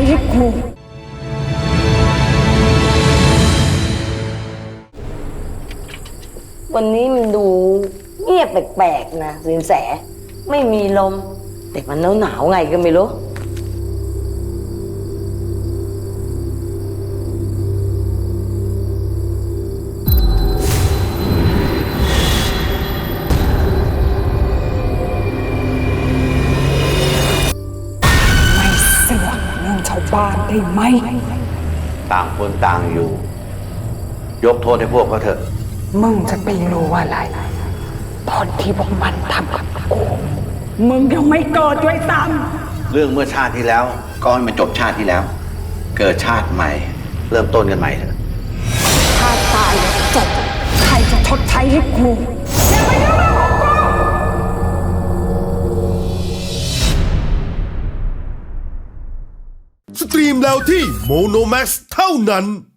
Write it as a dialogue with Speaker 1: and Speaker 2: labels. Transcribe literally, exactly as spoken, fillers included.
Speaker 1: ให้กู
Speaker 2: วันนี้มันดูเงียบแปลกๆนะสินแสไม่มีลมแต่มันหนาวๆไงก็ไม่รู้
Speaker 1: ไม่เสือกเรื่องชาวบ้านได้ไหม
Speaker 3: ต่างคนต่างอยู่ยกโทษให้พวกเขาเถอะ
Speaker 1: มึงจะไปรู้อะไรตอนที่พวกมันทำกับกูมึงยังไม่เกิดด้วยซ้
Speaker 3: ำเรื่องเมื่อชาติที่แล้วก็ให้มันจบชาติที่แล้ว เกิดชาติใหม่ เริ่มต้นกันใหม่เถอะ
Speaker 1: ถ้าตายแล้วจบใครจะชดใช้ให้กูอย่ามายุ่งกับของ
Speaker 4: กูสตรีมแล้วที่โมโนแม็กซ์เท่านั้น